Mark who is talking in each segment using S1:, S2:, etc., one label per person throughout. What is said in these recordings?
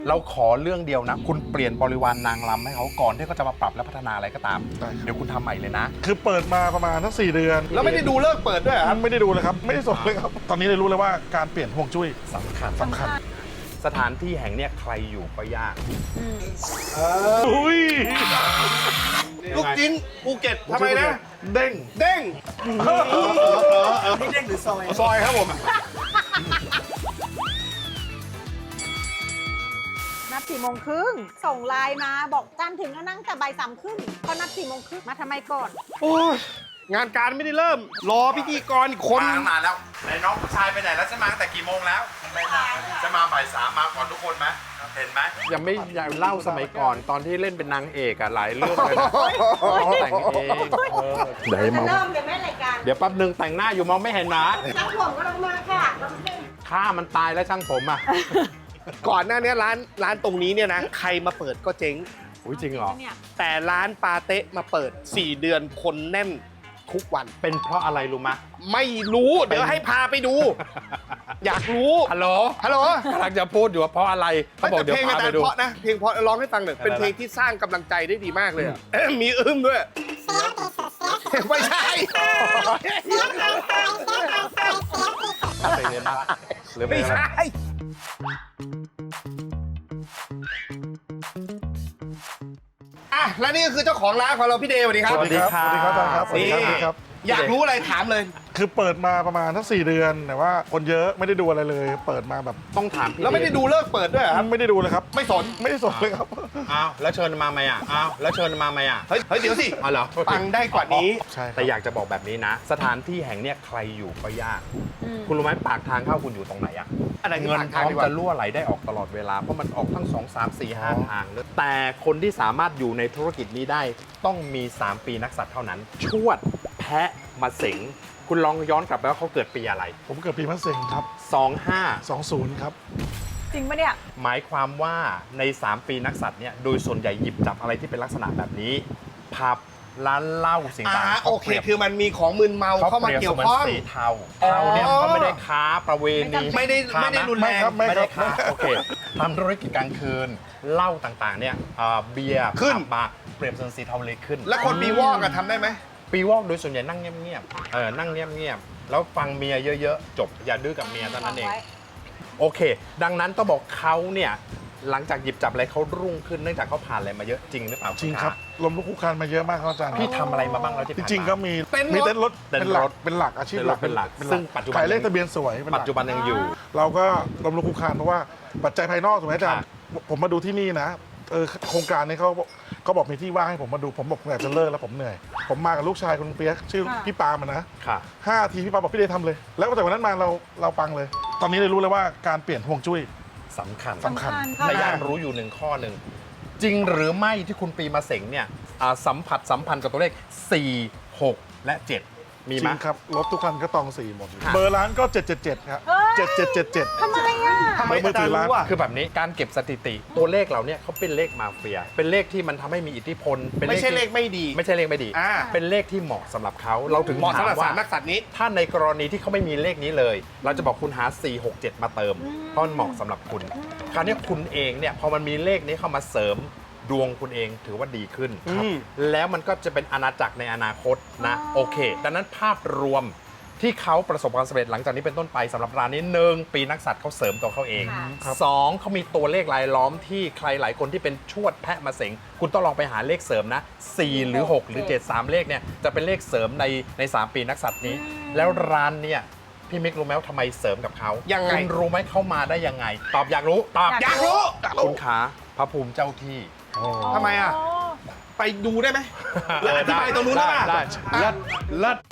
S1: เราขอเรื่องเดียวนะคุณเปลี่ยนบริวารนางรำให้เขาก่อนที่เขาจะมาปรับและพัฒนาอะไรก็ตามเดี๋ยวคุณทำใหม่เลยนะ
S2: คือเปิดมาประมาณทั้ง4 เดือน
S3: แล้วไม่ได้ดูเลิกเปิดด้วยครับ
S2: ไม่ได้ดูเลยครับไม่ได้สนเลยครับตอนนี้เลยรู้เลยว่าการเปลี่ยนห่วงจุ้ย
S1: สำคัญ สถานที่แห่งเนี้ยใครอยู่ก็ยาก
S2: อุ้ย
S3: ลูกจิ้นภูเก็ตทำไมนะ
S2: เด้ง
S3: เด้ง
S4: นี่เด้งหรือซอย
S3: ซอยครับผม
S5: นัด4 โมงครึ่งส่งไลน์มาบอกจันถึงแล้วนั่งแต่บ่าย3 ครึ่งเขานัด4 โมงครึ่งมาทำไมก่อน
S3: โอ้ยงานการไม่ได้เริ่ม รอพิธีกรอีกคน
S1: มาแล้วไหนน้องผู้ชายไปไหนแล้วจะมาตั้งแต่กี่โมงแล้วจะมาบ่าย 3มาก่อนทุกคนไหมเห็นไหมยังไม่อยากเล่าสมัยก่อนตอนที่เล่นเป็นนางเอกอะหลายเรื่องเลยนะเขาแต่งเองเดี๋ยว
S5: จะเริ่มเดี๋ยวแม่รายการ
S1: เดี๋ยวแป๊บนึงแต่งหน้าอยู่มองไม่เห็นนะ
S5: ช่างผมก็ลงมาค่ะ
S1: ฆ่ามันตายแล้วช่างผมอะ
S3: ก่อนหน้านี้ร้านตรงนี้เนี่ยนะ ใครมาเปิดก็เจ๊ง
S1: อุ้ยจริงเหรอ
S3: แต่ร้านปาเต๊ะมาเปิด 4 เดือนคนแน่นทุกวัน
S1: เป็นเพราะอะไรรู้ไหมะ
S3: ไม่รู้เดี๋ยวให้พาไปดู อยากรู้
S1: ฮัลโหล
S3: ฮัลโหล
S1: กำลังจะพูดอยู่ว่าเพราะอะไรเขาบอก
S3: แต่
S1: เดี๋ยว
S3: เพลง
S1: พา
S3: อาจา
S1: ไป
S3: รย์
S1: ดู
S3: เพราะนะเพลงเพราะร้องให้ฟังหน่อยเป็นเพลงที่สร้างกำลังใจได้ดีมากเลยอะมีด้วยไม่ใช่
S1: เพลงนี้บ้างหรือเพล
S3: ไม่
S1: งอะไร
S3: ใช่อ่ะและนี่ก็คือเจ้าของร้านของเราพี่เดย์สวัสดีครับ
S2: สวัสดีครับสวัสดีครับอาจารย์ครับสวัสดีครับสวัสดีครับ
S3: อยากรู้อะไรถามเลย
S2: คือเปิดมาประมาณทั้ง4 เดือนแต่ว่าคนเยอะไม่ได้ดูอะไรเลย เปิดมาแบบ
S1: ต้องถามพี่
S3: แล้วไม่ได้ดูเลิกเปิดด้วยเหรอครับ
S2: ไม่ได้ดูเลยครับ
S3: ไม่สน
S2: ไม่ได้สนเลยครับ
S1: อ้าวแล้วเชิญมาไหมอ่ะอ้าวแล้วเชิญมาไหมอ่ะ
S3: เฮ้ยเดี๋ยวสิ
S1: อ๋อเหรอ
S3: ฟังได้กว่านี้
S2: ใช่ครับ
S1: แต่อยากจะบอกแบบนี้นะ สถานที่แห่งเนี้ยใครอยู่ก็ยาก คุณรู้ไหมปากทางเข้าคุณอยู่ตรงไหนอ่ะ
S3: อะไรคือ
S1: เงิน
S3: ปาก
S1: พ
S3: ทาง
S1: ร้อม
S3: ดีกว่า
S1: จะรั่วไหลได้ออกตลอดเวลา เพราะมันออกทั้ง 2 3 4 5 ทางเลยแต่คนที่สามารถอยู่ในธุรกิจนี้ได้ต้องมี 3 ปีนักสัตว์เท่านั้น ชวด แพะมาเสงคุณลองย้อนกลับไปว่าเขาเกิดปีอะไร
S2: ผมเกิดปีมะเส็งครับ
S1: 25
S2: 20ครับ
S5: จริงปะเนี่ย
S1: หมายความว่าใน 3 ปีนักสัตว์เนี่ยโดยส่วนใหญ่หยิบจับอะไรที่เป็นลักษณะแบบนี้ผับร้านเหล้าสิ่งต่างๆ
S3: โอเค คือมันมีของมึนเมาเข้ามาเกี่ยวข้อง
S1: สีเทาเทาเนี่ยเขาไม่ได้ค้าประเวณี
S3: ไม่ได้รุนแรง
S1: ไม่ได้ค้าโอเคทำธุรกิจกลางคืนเหล้าต่างๆเนี่ยเบียร์
S3: ขึ้น
S1: ผับบาร์เปรียบเสมือนสีเทาเลยขึ้น
S3: แล้วคนมีวอกอะทำได้ไหม
S1: ปีวอกโดยส่วนใหญ่นั่งเงียบๆนั่งเงียบๆแล้วฟังเมียเยอะๆจบอย่าดื้อกับเมียเท่านั้นเอง โอเค ดังนั้นต้องบอกเขาเนี่ยหลังจากหยิบจับอะไรเขารุ่งขึ้นเนื่องจากเขาผ่านอะไรมาเยอะจริงหรือเปล่า
S2: จริงครับลมลุกคลุกคลานมาเยอะมากครับอาจารย์
S1: พี่ทำอะไรมาบ้างแล้วที่
S2: จ
S1: ผ่านมา
S2: ริงๆก็มี
S3: เต้นรถ
S2: มีเต้นรถ
S1: เต้น
S2: เป็นหลั
S1: ร
S2: ก
S1: ถ
S2: เป็นหลักอาชีพหลัก
S1: เป็นหลักซึ่งปัจจุบัน
S2: ขายเลขทะเบียนสวยเป็นหลัก
S1: ปัจจุบันยังอยู่
S2: เราก็ลมลุกคลุกคลานเพราะว่าปัจจัยภายนอกถูกไหมอาจารย์ผมมาดูที่นี่นะโครงการนี้เขาบอกมีที่ว่างให้ผมมาดูผมบอกอยากจะเลิกแล้วผมเหนื่อย ผมมากับลูกชายคุณเปียกชื่อพี่ปาล์มอะนะ
S1: ค่ะ
S2: 5 ทีพี่ปาล์มบอกพี่เดย์ทำเลย แล้วตั้งแต่วันนั้นมาเราปังเลย ตอนนี้เลยรู้เลยว่าการเปลี่ยนห่วงจุ้ย
S1: สำคัญ
S2: สำคัญ
S1: และอยากรู้อยู่หนึ่งข้อหนึ่งจริงหรือไม่ที่คุณปีมาเสงเนี่ยสัมพันธ์กับตัวเลข 4 6 และ 7 มี
S2: จ
S1: ไหม
S2: ริงครับรถทุกคันก็ตอง4หมด
S1: ค่ะ
S2: เบอร์ร้านก็ 777 ครับ
S5: เฮ้ย
S2: 7777
S5: ทำไมอ่ะ
S3: ทำไมอาจารย์รู้อะ
S1: คือแบบนี้การเก็บสถิติตัวเลขเราเนี่ยเขาเป็นเลขมาเฟีย เป็นเลขที่มันทำให้มีอิทธิพลเป็น
S3: ไม่ใช่เลข
S1: ที่
S3: ไม่ดี
S1: ไม่ใช่เลขไม่ดี
S3: อ่า
S1: เป็นเลขที่เหมาะสำหรับเขาเราถึง
S3: เหมาะสำหรับ
S1: ถ
S3: สามนักสัตว์นี้
S1: ถ้าในกรณีที่เขาไม่มีเลขนี้เลย เราจะบอกคุณหา 4 6 7 มาเติม เพราะมันเหมาะสำหรับคุณ คราวนี้คุณเองเนี่ยพอมันมีเลขนี้เข้ามาเสริมดวงคุณเองถือว่าดีขึ้น แล้วมันก็จะเป็นอาณาจักรในอนาคตนะโอเค ดังนั้นภาพรวมที่เขาประสบความสำเร็จหลังจากนี้เป็นต้นไปสำหรับร้านนี้1 ปีนักสัตว์เขาเสริมตัวเขาเอง
S5: ค่ะ
S1: 2เขามีตัวเลขรายล้อมที่ใครหลายคนที่เป็นชวดแพะมาเสงคุณต้องลองไปหาเลขเสริมนะ4หรือ6หรือ7 3เลขเนี่ยจะเป็นเลขเสริมใน3 ปีนักสัตว์นี้ แล้วร้านเนี่ยพี่มิกรู้ไหมว่าทำไมเสริมกับเขา
S3: ยังไง
S1: คุณรู้ไหมเขามาได้ยังไง ตอบอยากรู้ตอบ
S3: อยากรู้
S1: คุณขาพระภูมิเจ้าที่
S3: ทำไมอะ ไปดูได้ไหมแล้วอธิบายตรงนู้นได้ป่ะ
S1: ได้เลิศเลิศ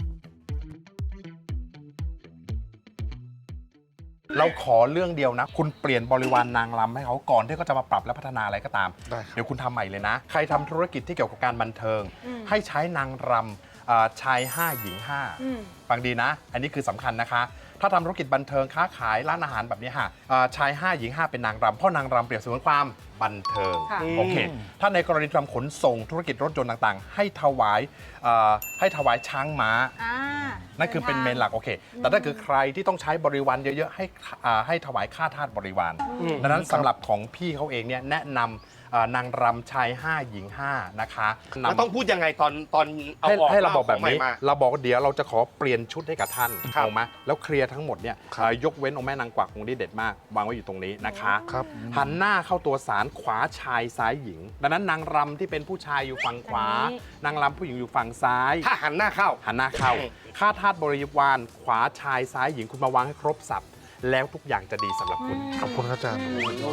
S1: เราขอเรื่องเดียวนะ คุณเปลี่ยนบริวารนางรำให้เขาก่อนที่เขาจะมาปรับและพัฒนาอะไรก็ตาม
S2: ได้ครับ
S1: เดี๋ยวคุณทำใหม่เลยนะ ใครทำธุรกิจที่เกี่ยวกับการบันเทิง ให้ใช้นางรำชาย 5 หญิง 5 ฟังดีนะ อันนี้คือสำคัญนะคะถ้าทำธุรกิจบันเทิงค้าขายร้านอาหารแบบนี้ค่ะชาย 5 หญิง 5 เป็นนางรำเพราะนางรำเปรียบเสมือนความบันเทิง
S5: ค่ะ
S1: โอเค ถ้าในกรณีทำขนส่งธุรกิจรถยนต์ต่างๆ ให้ถวายช้างม้า
S5: อ่า
S1: นั่นคือเป็นเมนหลักโอเค แต่ถ้าคือใครที่ต้องใช้บริวารเยอะๆให้ถวายค่าทาสบริวาร ดังนั้นสำหรับของพี่เขาเองเนี่ยแนะนำนางรำชาย 5 หญิง 5 นะคะ
S3: แล้วต้องพูดยังไงตอนเอา
S1: ให้
S3: ออก
S1: ให้เราบอกแบบ
S3: ขงใหม่
S1: นี้
S3: มา
S1: เราบอกว่าเดี๋ยวเราจะขอเปลี่ยนชุดให้กับท่าน
S3: ครับ
S1: ถูกไหมแล้วเคลียร์ทั้งหมดเนี่ยยกเว้นองค์แม่นางกวักองค์นี้เด็ดมากวางไว้อยู่ตรงนี้นะคะ
S2: ครับ
S1: หันหน้าเข้าตัวศาลขวาชายซ้ายหญิง ดังนั้นนางรำที่เป็นผู้ชายอยู่ฝั่งขวา
S5: อันนี้
S1: นางรำผู้หญิงอยู่ฝั่งซ้าย
S3: ถ้าหันหน้าเข้า
S1: หันหน้าเข้า
S3: อืม
S1: ค่าทาสบริวารขวาชายซ้ายหญิงคุณมาวางให้ครบสับแล้วทุกอย่างจะดีสำหรับคุณ
S2: ขอบคุณครับอาจารย์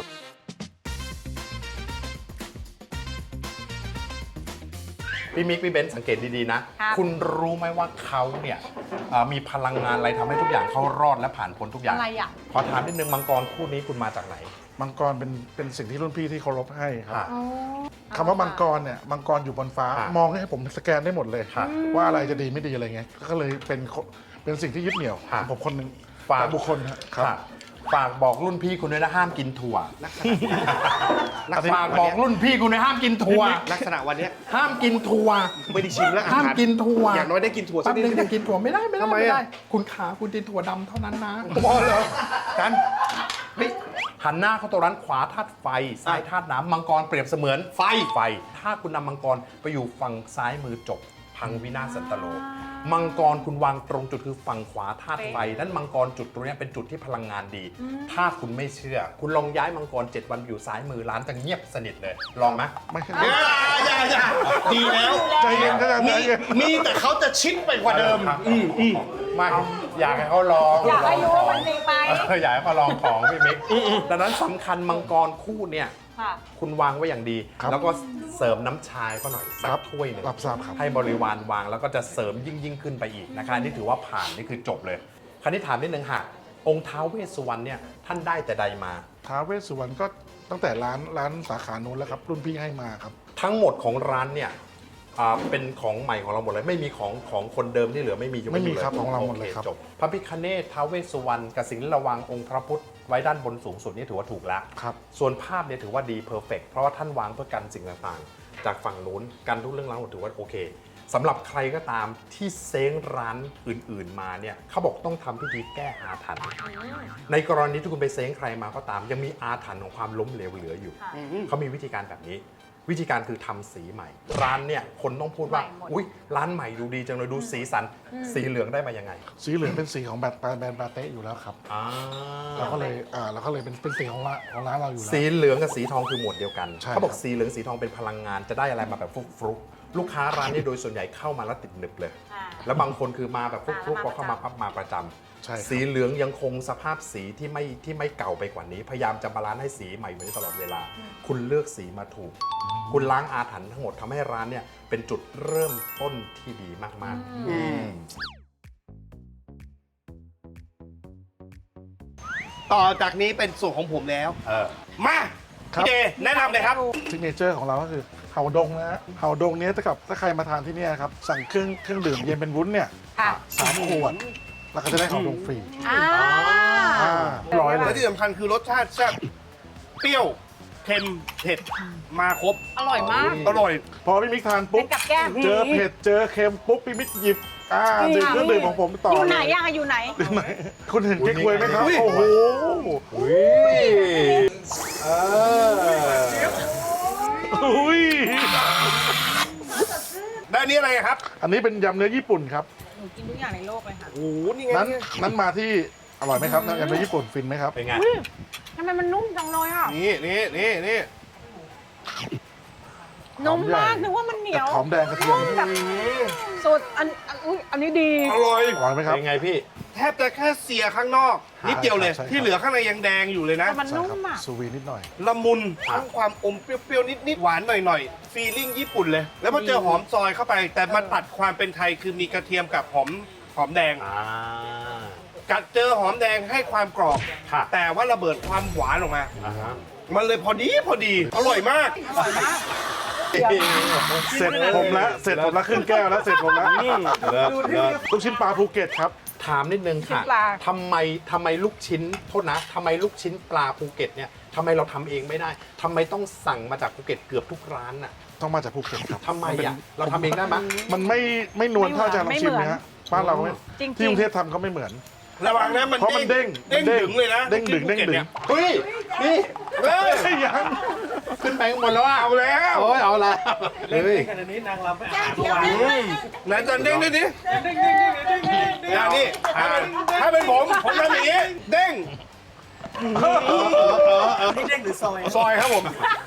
S1: พี่มิกพี่เบนซ์สังเกตดีๆนะ
S5: ครับ
S1: คุณรู้ไหมว่าเขาเนี่ยมีพลังงานอะไรทำให้ทุกอย่างเขารอดและผ่านพ้นทุกอย่าง
S5: อะไรอ่ะ
S1: ขอถามนิดนึงมังกรคู่นี้คุณมาจากไหน
S2: มังกรเป็นสิ่งที่รุ่นพี่ที่เคารพให้ครับ
S1: ค่ะ
S5: อ๋อ
S2: คำว่ามังกรเนี่ยมังกรอยู่บนฟ้า
S1: ค่ะ
S2: มองให้ผมสแกนได้หมดเลย
S1: ค่ะ
S2: ว่าอะไรจะดีไม่ดีอะไรเงี้ยก็เลยเป็นสิ่งที่ยึดเหนี่ยว
S1: ค่ะ
S2: ของผมคนหนึ่ง
S1: ฝาก
S2: และบุคคลครับ
S1: ค่ะฝากบอกรุ่นพี่คุณด้วยนะห้ามกินถั่ว
S3: ลักษณะ
S1: ฝากบอกรุ่นพี่คุณด้วยห้ามกินถั่ว
S3: ลักษณะวันเนี้ย
S1: ห้ามกินถั่ว
S3: ไม่ได้ชิมแล้วอา
S1: ห้าม
S3: หาร
S1: กินถั่ว
S3: อย่างน้อยได้กินถั่วสั
S1: แป๊
S3: ก
S1: บ
S3: นิด
S1: นึงจะกินถั่วไม่ได้ไม่ได้
S3: ทำไม
S1: ไม่
S3: อะ
S1: ได้ คุณขาคุณกินถั่วดำเท่านั้นนะ
S3: พอเหรอ
S1: กันเฮ้ยหันหน้าเข้าตัวร้านขวาธาตุไฟซ้ายธาตุน้ำมังกรเปรียบเสมือนไฟ ถ้าคุณนำมังกรไปอยู่ฝั่งซ้ายมือจบ พังวินาศสันตโล มังกรคุณวางตรงจุดคือฝั่งขวาธาตุไฟนั้นมังกรจุดตรงนี้เป็นจุดที่พลังงานดี ถ้าคุณไม่เชื่อ คุณลองย้ายมังกร7 วันอยู่ซ้ายมือร้านจะเงียบสนิทเลย ลองไหม
S2: ไม่ใช่
S3: อย่าดีแล้ว
S2: ใจเย็นครับอาจารย์ใจเย็น
S3: มีแต่เขาจะชิดไปกว่าเดิม
S1: ไม่อยากให้เขาลอง
S5: อยากให้รู้ว่ามันดีไป
S1: อยากให้เขาลองของพี่มิกดังนั้นสำคัญมังกรคู่เนี่ย
S5: ค่ะ
S1: คุณวางไว้อย่างดี
S2: ครับ
S1: แล้วก็เสริมน้ำชาก็หน่อยสั
S2: ครั
S1: ก
S2: บ
S1: ถ้วยหนึ่ง
S2: รับทราบครับ
S1: ให้บริวารวางแล้วก็จะเสริมยิ่งขึ้นไปอีกนะคะนี่ถือว่าผ่านนี่คือจบเลย คราวนี้ถามนิดนึงค่ะ องค์ท้าวเวสสุวรรณเนี่ยท่านได้แต่ใดมา
S2: ท้าวเวสสุวรรณก็ตั้งแต่ร้านสาขานู้นแล้วครับ รุ่นพี่ให้มาครับ
S1: ทั้งหมดของร้านเนี่ยเป็นของใหม่ของเราหมดเลย ไม่มีของคนเดิมที่เหลือไม่มีอยู่
S2: ไม่มี
S1: ยู่ลย
S2: ครับของเราหมดเลยครับ
S1: โอจบพระพิฆเนศท้าวเวสสุวรรณกับสิ่งที่ระวังองค์พระพุทธไว้ด้านบนสูงสุดนี่ถือว่าถูกแล้ว
S2: ครับ
S1: ส่วนภาพเนี่ยถือว่าดีเพอร์เฟกเพราะว่าท่านวางเพื่อกันสิ่งต่างๆ จากฝั่งนู้นกันทุกเรื่องราวถือว่าโอเคสำหรับใครก็ตามที่เซ้งร้านอื่นๆมาเนี่ยเขาบอกต้องทำพิธีแก้อาถรรพ์ในกรณีที่คุณไปเซ้งใครมาก็ตาม ยังมีอาถรรพ์ของความล้มเหลวเหลืออยู่
S5: ค่ะ
S1: เขามีวิธีการแบบนี้ วิธีการคือทำสีใหม่ ร้านเนี่ยคนต้องพูดว่า
S5: ใหม่หมด
S1: อุ๊ยร้านใหม่ดูดีจังเลยดูสีสันสีเหลืองได้มายังไง
S2: สีเหลืองเป็นสีของแบรนด์ปาเต้อยู่แล้วครับ
S1: อ่า
S2: เราก็เลยเป็นสีของร้านเราอยู่แล้ว
S1: สีเหลืองกับสีทองคือหมวดเดียวกัน
S2: ใช่
S1: เขาบอก
S2: ครับ
S1: สีเหลืองสีทองเป็นพลังงานจะได้อะไรมาแบบฟลุกๆลูกค้าร้านนี้โดยส่วนใหญ่เข้ามาแล้วติดหนึบเลย
S5: อ่า
S1: แล้วบางคนคือมาแบบฟลุกๆพ
S5: มา
S1: อเข้ามาปั๊บมาประจำ
S2: ใช่ครับ
S1: สีเหลืองยังคงสภาพสีที่ไม่เก่าไปกว่านี้ พยายามจะบาลานซ์ให้สีใหม่เหมือนตลอดเวลา คุณเลือกสีมาถูก คุณล้างอาถรรพ์ทั้งหมดทำให้ร้านเนี่ยเป็นจุดเริ่มต้นที่ดีมากๆ
S3: ต่อจากนี้เป็นส่วนของผมแล้ว มา
S2: ครับ
S3: พี่เดแนะนำเลยครับ
S2: ซิกเนเจอร์ของเราก็คือเห่าดงนะฮะเห่าดงเนี้ยถ้าใครมาทานที่เนี่ยครับสั่งเครื่องดื่มเย็นเป็นวุ้นเนี่ย
S5: ค่ะ
S2: 3 ขวด แล้วก็จะได้เห่าดงฟรี
S5: อ่า
S2: ร้อยเล
S3: และ
S2: ย
S3: ที่สำคัญคือรสชาติแซ่บเปรี้ยวเค็มเผ็ดมาครบ
S5: อร่อยมาก
S3: อร่อย
S2: พอพี่มิกทาน
S5: เป็
S2: ปุ๊บ
S5: นกับแก้ม
S2: เจอเผ็ดเจอเค็มปุ๊บพี่มิกหยิบดื่มเครื่องดื่มของผมต่อ
S5: อ
S2: อยู่
S5: ไหนอ่ะอยู่ไหน
S2: ไหนคุณเห็นเก๊กฮวยไหมครับ
S3: อุ้ย
S2: โอ้โห อุ้ย
S3: ได้อันนี้อะไรครับ
S2: อันนี้เป็นยำเนื้อญี่ปุ่นครับ
S5: หนูกินทุกอย่างในโลกเลยค่ะ
S3: โอ้โหนี่ไง
S2: นั้นมาที่อร่อยไหมครับยำเนื้อญี่ปุ่นฟินไหมครับ
S1: เป็นไง
S5: ทำไมมันนุ่มจังเลยอ่ะ
S3: นี่
S5: นุ่มมากนึกว่ามันเหนียว
S2: หอมแดงกระเทียม
S5: แบบสุดอันนี้ดี
S3: อร่อย
S2: อร่อยไหมครับ
S1: เป็นไงพี่
S3: แทบจะแค่เสียข้างนอก นิดเดียวเลย
S2: ใช่ครับ
S3: ที่เหลือข้างในยังแดงอยู่เลยนะ
S5: แต่มัน
S2: ใช่
S5: นุ่
S2: ครั
S5: มอ่ะ
S2: ซูวีนิดหน่อย
S3: ละมุนทั้งความอมเปรี้ยวๆนิดๆหวานหน่อยๆฟีลิ่งญี่ปุ่นเลย แล้วพอเจอหอมซอยเข้าไป แต่มันตัดความเป็นไทยคือมีกระเทียมกับหอมแดง กัดเจอหอมแดงให้ความกรอบ
S1: ค่ะ
S3: แต่ว่าระเบิดความหวานออกมา มันเลยพอดีอร่อยมาก
S2: เสร็จผมแล้วครึ่งแก้วแล้วเสร็จผมแล้วลูกชิ้นปลาภูเก็ตครับ
S1: ถามนิดนึงค่ะ
S5: ชิ้นปลา
S1: ทำไมลูกชิ้นโทษนะทำไมลูกชิ้นปลาภูเก็ตเนี่ยทำไมเราทำเองไม่ได้ทำไมต้องสั่งมาจากภูเก็ตเกือบทุกร้านน่ะ
S2: ต้องมาจากภูเก็ตครับ
S1: ทำไมอ่ะเราทำเองได้ไหม
S2: มันไม่นวลเท่าอาจารย์ลองชิมนะฮะบ้านเราไม่
S5: จริงๆ
S2: ที่กรุงเทพทำก็ไม่เหมือน
S3: ระวังนะมัน
S2: เพราะมันเด้ง
S3: เด้งดึงเลยนะ
S2: เด้งดึง
S3: ภูก็ตนี่ย
S1: เฮ้ยนี่
S3: เฮ้ย
S2: ยัง
S1: ขึ้นไปข้างบนแล้วอ่ะ
S3: เอาแล้ว
S1: โอ้ยเอาละ
S4: เล่น
S1: เฮ้ย
S4: ขนาดนี้นางรำไม่
S5: แก้
S4: อาบ
S5: เขียว
S4: วาน
S5: นะ
S3: ไหนตอนเด้งด้วยดิอย่างนี้ถ้าเป็นผมทำอย่างนี้เด้ง
S4: นี่เด้งหรือซอย
S3: ซอยครับผม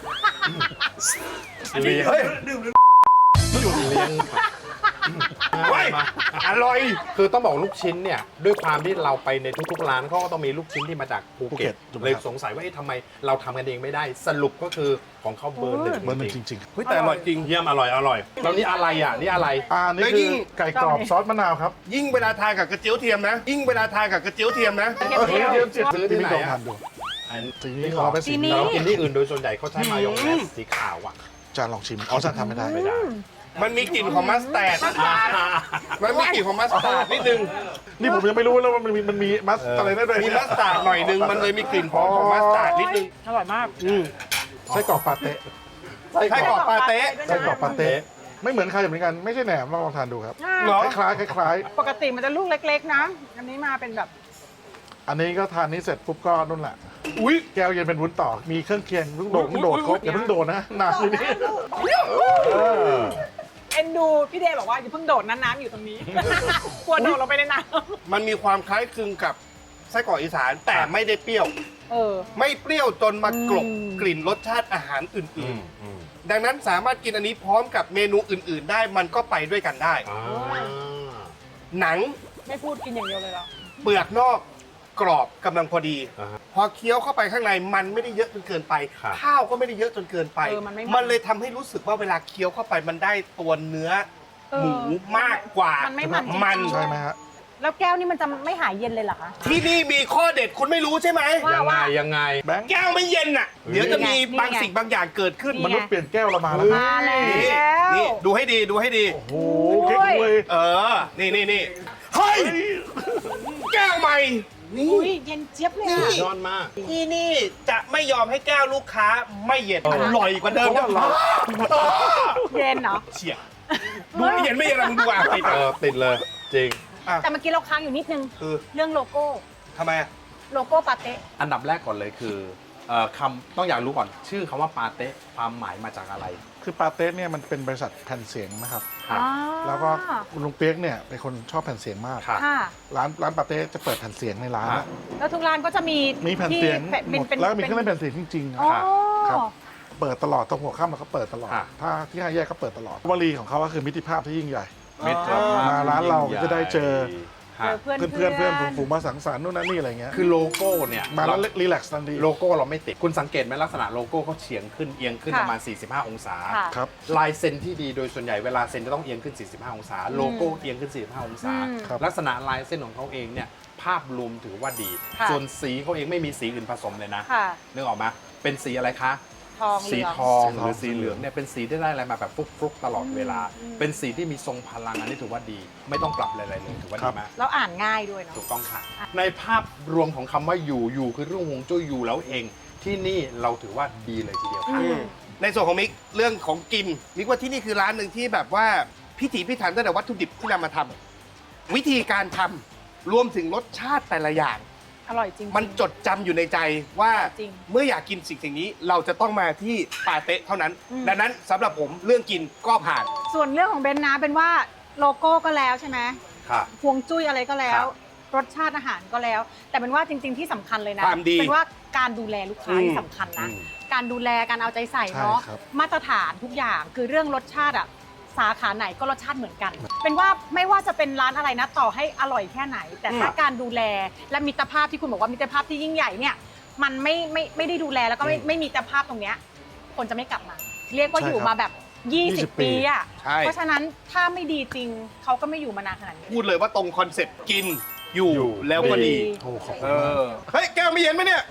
S4: อันนี้
S3: เฮ้ย
S4: ดื่มหรือ
S1: จุดเลี้ยง
S3: เฮ้ยอร่อย
S1: คือต้องบอกลูกชิ้นเนี่ยด้วยความที่เราไปในทุกๆร้านเขาก็ต้องมีลูกชิ้นที่มาจากภูเก็ต
S2: ถูกไหม
S1: เลย
S2: ครับ
S1: สงสัยว่าเอ๊ะทำไมเราทำกันเองไม่ได้ สรุปก็คือของเขาเบอร์หนึ่ง
S2: เบอร์หนึ่งจริง
S3: เฮ้ยแต่อร่อยจริง
S1: เยี่ยมอร่อยแล้วนี่อะไรอ่ะนี่อะไร
S2: ๆนี่
S3: แล้ว
S2: คื
S3: ยิ่
S2: อง ไก่กรอบซอสมะนาวครับ
S3: ยิ่งเวลาทานกับกระเจี๊ยวเทียมนะ ยิ่งเวลาทานกับกระเจี๊ยวเทียมนะ
S5: เทียม
S2: เทียมจิต
S1: ซื้อที่ไหน
S2: ลอง
S1: อะ
S2: ทานดู
S1: อัน
S2: สีนี้ของเราเป็นสี
S5: สีนี้
S2: นี้
S1: เรากินที่อื่นโดยส่วนใหญ่เขาใช้มายองเนสสีขาวอ่ะ
S2: อาจารย์ลองชิมอ๋ออาจารย์ทำไม่ได้
S1: ไม่ได้
S3: มันมีกลิ่นของมัสตาร์ดมันมีกลิ่นของมัสตาร์ดนิดนึง
S2: นี่ผมยังไม่รู้แล้วว่ามันมีมัสอะไรได้ด้วย
S3: มีมัสตาร์ดหน่อยนึง มันเลยมีกลิ่นของมัสตาร์ดนิดนึง
S5: อร่อยมาก
S2: ไส้กรอกปาเต้
S3: ไส้กรอกปาเต้
S2: ไส้กรอกปาเต้ไม่เหมือนใครเหมือนกันไม่ใช่แหนมลองทานดูครับ
S3: เหรอ
S2: คล้ายๆคล้าย
S5: ปกติมันจะลูกเล็กๆนะ อันนี้มาเป็นแบบ
S2: ๆอันนี้ก็ทานนี้เสร็จปุ๊บก็นู่นแหละ
S3: อุ้ย
S2: แก้วเย็นเป็นวุ้นต่อมีเครื่องเคียงลูกโดดครบอย่าเพิ่งโดดนะหนักอยู่นี่
S5: เอ็นดูพี่เดย์บอกว่าอย่าเพิ่งโดดนะน้ำอยู่ตรงนี้ กลัวโดดลงไปในน้
S3: มันมีความคล้ายคลึงกับไส้กรอกอีสานแต่ไม่ได้เปรี้ยว
S5: ำเออ
S3: ไม่เปรี้ยวจนมากลบ
S5: อืม
S3: กลิ่นรสชาติอาหารอื่นๆ ดังนั้นสามารถกินอันนี้พร้อมกับเมนูอื่น ๆ ได้มันก็ไปด้วยกันได้ หนัง
S5: ไม่พูดกินอย่างเดียวเลยเหรอ
S3: เปลือกนอกกรอบกำลังพอดี
S1: อ่าฮะ
S3: พอเคี้ยวเข้าไปข้างในมันไม่ได้เยอะจนเกินไป
S1: ครับ
S3: ข้าวก็ไม่ได้เยอะจนเกินไป
S5: เออมันไม่มัน
S3: มันเลยทำให้รู้สึกว่าเวลาเคี้ยวเข้าไปมันได้ตัวเนื้อ
S5: เออ
S3: หมูมากกว่า
S5: มันไม่มันจริงๆ
S3: มัน
S2: ใช่ไหมฮะ
S5: แล้วแก้วนี่มันจะไม่หายเย็นเลยเหรอคะ
S3: ที่นี่มีข้อเด็ดคุณไม่รู้ใช่ไหม
S1: ยังไง
S2: แบงค์
S3: แก้วไม่เย็นอ่ะ เดี๋ยวจะมี
S5: นี่ไง
S3: บางสิ่งบางอย่างเกิดขึ้น
S5: นี่
S2: มนุษย์เปลี่ยนแก้วเรามาแล้ว
S5: มาแล้ว
S3: นี่นี่ดูให้ดีดูให้ดี
S2: โอ้โหเก๊กเว้ย
S3: เออ นี่เฮ้ย แก้วใหม่ นี่
S5: อุ้ยเย็นเจี๊ยบเลยอะ
S1: ยอดมาก
S3: ที่นี่จะไม่ยอมให้แก้วลูกค้าไม่เย็น
S1: เออ
S3: อร่อยกว่าเดิมนะ
S5: เย็นเหรอ
S3: เฉียดูไม่เย็นไม่เย็นอะไรมึงดูอ่ะติด
S1: เอ
S3: อ่ะ
S1: อติดเลยจริง
S5: แต่เมื่อกี้เราค้างอยู่นิดนึง
S3: คือ
S5: เรื่องโลโก้
S3: ทำไมอ่ะ
S5: โลโก้ปาเต้
S1: อันดับแรกก่อนเลยคือคำต้องอยากรู้ก่อน ชื่อคำว่าปาเต้ความหมายมาจากอะไร
S2: คือปาเต้เนี่ยมันเป็นบริษัทแผ่นเสียงนะครับ
S1: ครับ
S2: แล้วก็คุณลุงเปียกเนี่ยเป็นคนชอบแผ่นเสียงมาก
S1: ครับ
S5: ค่ะ
S2: ร้านปาเต้จะเปิดแผ่นเสียงในร้าน
S1: ครั
S2: อะ
S1: บ
S5: แล้วทุกร้านก็จะมี
S2: มีแผ่นเสียง
S5: ที่
S2: หมดแล้วมีเครื่องเล่นแผ่นเสียงจริงๆอะ
S5: อ๋อ
S2: ครับ เปิดตลอดตรงหัวค่ำเราก็เปิดตลอด
S1: ครับ
S2: ถ้าที่ห้าแยกก็เปิดตลอดวลีของเขาก็คือมิตรภาพที่ยิ่งใหญ่
S1: มิตรภาพ
S2: มาร้านเราก็จะได้เจอ
S1: ฮะ
S5: เพื่อน
S2: เพื่อนฝูงๆมาสังสรรค์นู่นนั่นนี่อะไรเงี้ย
S1: คือโลโก้เนี่ย
S2: มาแล้วรีแลกซ์ทันที
S1: โลโก้เราไม่ติด คุณสังเกตไหมลักษณะโลโก้เขาเฉียงขึ้นเอียงขึ้น
S5: ค่ะ
S1: ประมาณ 45 องศา
S5: ค่ะ
S2: ครับ
S1: ลายเซ็นที่ดีโดยส่วนใหญ่เวลาเซ็นจะต้องเอียงขึ้น 45 องศา โลโก้เอียงขึ้น 45 องศา
S5: อืม
S2: ครับ
S1: ลักษณะลายเส้นของเขาเองเนี่ยภาพรวมถือว่าดี
S5: ค่ะ
S1: ส่วนสีเขาเองไม่มีสีอื่นผสมเลยนะ
S5: ค่ะ
S1: นึกออกไหมเป็นสีอะไรคะ
S5: ทองเห
S1: สี
S5: ลือง
S1: ทอง
S2: สีทอง
S1: หรือสีเหลืองเนี่ยเป็นสีที่ได้อะไรมาแบบฟลุกๆตลอดเวลา
S5: อืม
S1: เป็นสีที่มีทรงพลังอันนี้ถือว่าดี ไม่ต้องปรับอะไรเลยถือว่าดีมาก
S5: แล้วอ่านง่ายด้วยเนาะ
S1: ถูกต้องค่ะ ในภาพรวมของคำว่าอยู่คือเรื่องฮวงจุ้ยอยู่แล้วเอง ที่นี่เราถือว่าดีเลยทีเดียวค่ะ
S5: อืม
S3: ในส่วนของมิกเรื่องของกินมิกว่าที่นี่คือร้านหนึ่งที่แบบว่าพิถีพิถันตั้งแต่วัตถุดิบที่นำมาทำวิธีการทำรวมถึงรสชาติแต่ละอย่าง
S5: อร่อยจริงๆ
S3: มันจดจำอยู่ในใจว่า
S5: จริง
S3: เมื่ออยากกินสิ่งนี้เราจะต้องมาที่ปาเต้เท่านั้น
S5: อืม
S3: ดังนั้นสำหรับผมเรื่องกินก็ผ่าน
S5: ส่วนเรื่องของเบนนะเป็นว่าโลโก้ก็แล้วใช่ไหม
S1: ค่ะ
S5: ฮวงจุ้ยอะไรก็แล้
S1: ครั
S5: ว
S1: บ
S5: รสชาติอาหารก็แล้ว แต่เป็นว่าจริง ๆที่สำคัญเลยนะ
S3: ความดี
S5: เป็นว่าการดูแลลูกค้า
S3: อืม
S5: ที่สำคัญนะ
S1: อืม
S5: การดูแลการเอาใจใส่
S2: ใช่
S5: เนาะ
S2: ครับ
S5: มาตรฐานทุกอย่างคือเรื่องรสชาติอะสาขาไหนก็รสชาติเหมือนกัน เป็นว่าไม่ว่าจะเป็นร้านอะไรนะต่อให้อร่อยแค่ไหน แต่ถ้าการดูแลและมิตรภาพที่คุณบอกว่ามิตรภาพที่ยิ่งใหญ่เนี่ยมันไม่ได้ดูแลแล้วก็ไม่มีมิตรภาพตรงเนี้ยคนจะไม่กลับมา เรียกว่า
S2: ใช่
S5: อยู่
S2: ครับ
S5: มาแบบ 20 ปีอะ
S3: ใช่
S5: เพราะฉะนั้นถ้าไม่ดีจริงเขาก็ไม่อยู่มานานขนาดนี้
S3: พูดเลยว่าตรงคอนเซ็ปต์กินอยู่
S1: อยู่
S3: แล้วก็ดี
S2: โอ้ขอบ
S3: เอ
S2: คุณมาก
S3: อเฮ้ยแก้วไม่เย็นไหมเนี่ย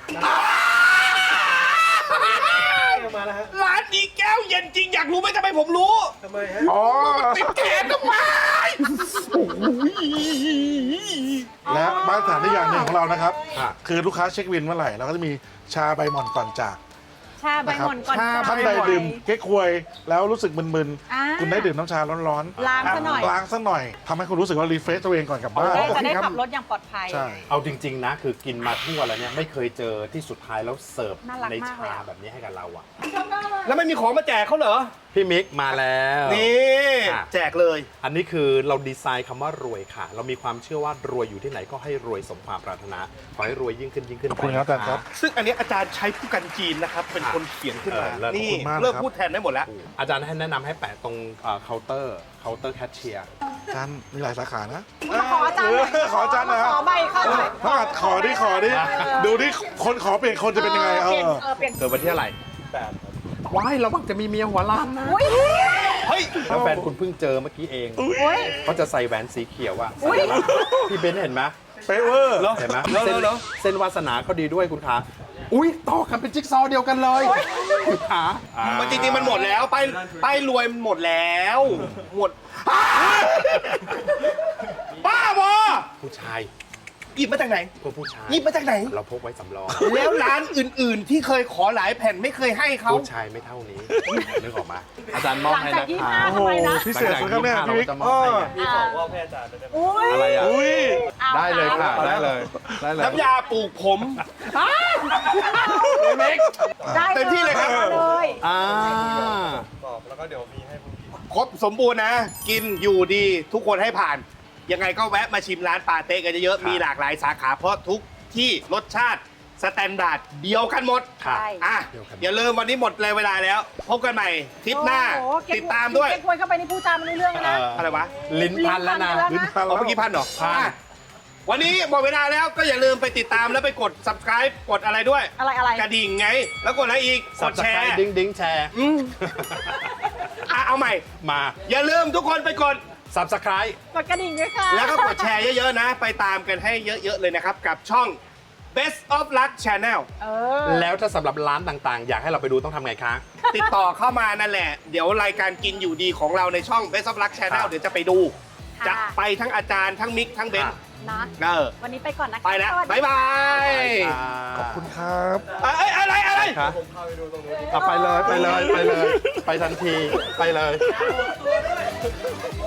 S4: มาแล้วฮะ
S3: ร้านนี้แก้วเย็นจริงอยากรู้ไหมทำไมผมรู้
S4: ทำไมฮะ
S2: อ๋อ
S3: ติดแขนทำไม
S2: และมาตรฐานที่อย่างหนึ่งของเรานะครับ
S1: ค่ะ
S2: คือลูกค้าเช็ควินเมื่อไหร่เราก็จะมีชาใบหม่อนก่อนจาก
S5: ชาใบหม่อนก่อน
S3: ชา
S5: จ่ย
S2: ท่านใดดื่มเก๊กควยแล้วรู้สึกมึน
S5: อ่า
S2: ๆคุณได้ดื่มน้ำชาร้อน
S5: ล้างซะหน่อย
S2: ล้างซะหน่อยทำให้คุณรู้สึกว่ารีเฟรชตัวเองก่อนกลับบ้าน
S5: จะได้
S2: ค
S5: ขับรถอย่างปลอดภัย
S2: ใช่
S1: เอาจริง ๆ นะ คือกินมาทั่วแล้วเนี่ยไม่เคยเจอที่สุดท้ายแล้วเสิร์ฟ
S5: น่ารัก
S1: ใน
S5: มากเลย
S1: ชา
S5: อะ
S1: แบบนี้ให้กับเราอ่ะ
S3: แล้วไม่มีของมาแจกเขาเหรอ
S1: พี่มิกมาแล้ว
S3: นี่
S1: อ่ะ
S3: แจกเลย
S1: อันนี้คือเราดีไซน์คำว่ารวยค่ะ เรามีความเชื่อว่ารวยอยู่ที่ไหนก็ให้รวยสมความปรารถนา ขอให้รวยยิ่งขึ้นยิ่งขึ้น
S2: ขอบคุณครับอาจารย์ครับ
S3: ซึ่งอันนี้อาจารย์ใช้ผู้กันจีนนะครับ เป็นคนเขียนขึ้นมา
S1: เลิศ
S3: นี่
S2: ขอบคุณมาก
S3: เลิก
S2: ครับ
S3: พูดแทนได้หมดแล้ว
S1: อาจารย์ให้แนะนำให้แปะตรงเคาน์เตอร์แคชเชียร์
S2: อาจารย์มีหลายสาขานะ
S5: มาขออาจารย์หน่อย
S2: ขออาจารย์หน่อยครับ
S5: ขอใบเข้าหน่อย
S2: ถ้าขอดิดูดิคนขอเปลี่ยนคนจะเป็นยังไง
S5: เปลี่ยนเปลี่ยน
S1: เกิดวันที่อะไร
S4: 8
S1: ว้ายระวังจะมีเมียหัวล้านนะ
S5: อุ้ย
S3: เฮ้ย
S1: แล้วแฟนคุณเพิ่งเจอเมื่อกี้เอง
S5: อุ้ย
S1: เขาจะใส่แหวนสีเขียวอะ
S5: อุ๊ย
S1: พี่เบนซ์เห็นไหม
S2: เป๊ะเวอร์
S1: เห็นไหม
S3: เหรอ
S1: เส้น
S3: เหรอ
S1: เส้นวาสนาเขาดีด้วยคุณขาอุ้ยต่อกันเป็นจิ๊กซอว์เดียวกันเลยคุณขาอ่า
S3: มันจริงๆมันหมดแล้วป้ายรวยมันหมดแล้วหมดบ้าบอ
S1: ผู้ชาย
S3: หยิบมาจากไหน
S1: พวกผู้ชาย
S3: หยิบมาจากไหน
S1: เราพกไว้สำรอง
S3: แล้วร้านอื่นๆ ที่เคยขอหลายแผ่นไม่เคยให้เขา
S1: ผู้ชายไม่เท่านี้นึกออกมาอาจารย์มอบ
S5: หลัง
S1: ให้
S5: จาก
S1: นะ
S5: ยี่
S1: คะ
S5: ห้า
S2: โอ้โห
S5: ทำไมนะ
S2: พิเศษสุดครับเนี่ย
S1: หลัง
S2: พี่
S1: จาก
S2: วิก
S1: 25เราจะมอบให้ไง
S4: มีของว่าให้อาจารย์ด้วยได้ไหม
S5: อุ้ย
S1: อะไรอ่ะ
S2: อุ้ย
S5: เอา
S1: ได้เลยค่ะ
S5: เอา
S1: ได้เลยได้เลย
S3: น้ำยาปลูกผม
S1: เม็ก
S5: ได้
S3: เต็มที่เลยครับ
S5: อาเลย
S1: อ่า
S4: ตอบแล้วก็เดี๋ยวมีให้พวกพี่
S3: ครบสมบูรณ์นะ กินอยู่ดีทุกคนให้ผ่าน ยังไงก็แวะมาชิมร้านปาเต้กันเยอะๆมีหลากหลายสาขาเพราะทุกที่รสชาติสแตนดาร์ดเดียวกันหมด
S1: ค่ะ
S5: ใช่
S3: อ่ะอย่าลืมวันนี้หมดเลยเวลาแล้ว พบกันใหม่ทริปหน้า
S5: โอ้โเก็บ
S3: ติดตามด้วย
S5: เก็บควยเข้าไปนี่พูดจาไม่รู้เรื่องแล้วนะ
S3: อะไรวะ
S1: ลิ้นพันแล้วนะ
S5: ลิ้นพัน
S3: เอาเมื่อกี้พันเหรอ
S1: พัน
S3: อ่ะวันนี้หมดเวลาแล้วก็อย่าลืมไปติดตามแล้วไปกด subscribe กดอะไรด้วย
S5: อะไร
S3: กระดิ่งไง แล้วกดอะไรอีก กดแชร์
S1: ดิ้งดิ้งแชร์
S3: อืมอ่ะเอาใหม่
S1: มา
S3: อย่าลืมทุกคนไปกด
S1: subscribe
S5: กดกระดิ่งด้วยค่ะ
S3: แล้วก็กดแชร์เยอะๆนะ ไปตามกันให้เยอะๆเลยนะครับ กับช่อง Best of Luck Channel
S5: เออ
S1: แล้วถ้าสำหรับร้านต่างๆ อยากให้เราไปดูต้องทำไงคะ
S3: ติดต่อเข้ามานั่นแหละ เดี๋ยวรายการกินอยู่ดีของเราในช่อง Best of Luck Channel
S1: ครับ
S3: เดี๋ยวจะไปดู
S5: ค่ะ
S3: จะไปทั้งอาจารย์ทั้งมิกทั้งเบนซ์
S5: นะ
S3: เออ
S5: วันนี้ไปก่อนนะคะ
S3: ไปแล้ว
S5: สสดี
S3: บ๊ายบาย
S2: ขอบคุณครับ
S3: เอ้ยอะไร
S1: ครับ
S4: ผมพาไปดูตรงนู้น
S1: ไปเลย ไปทันที ไปเลย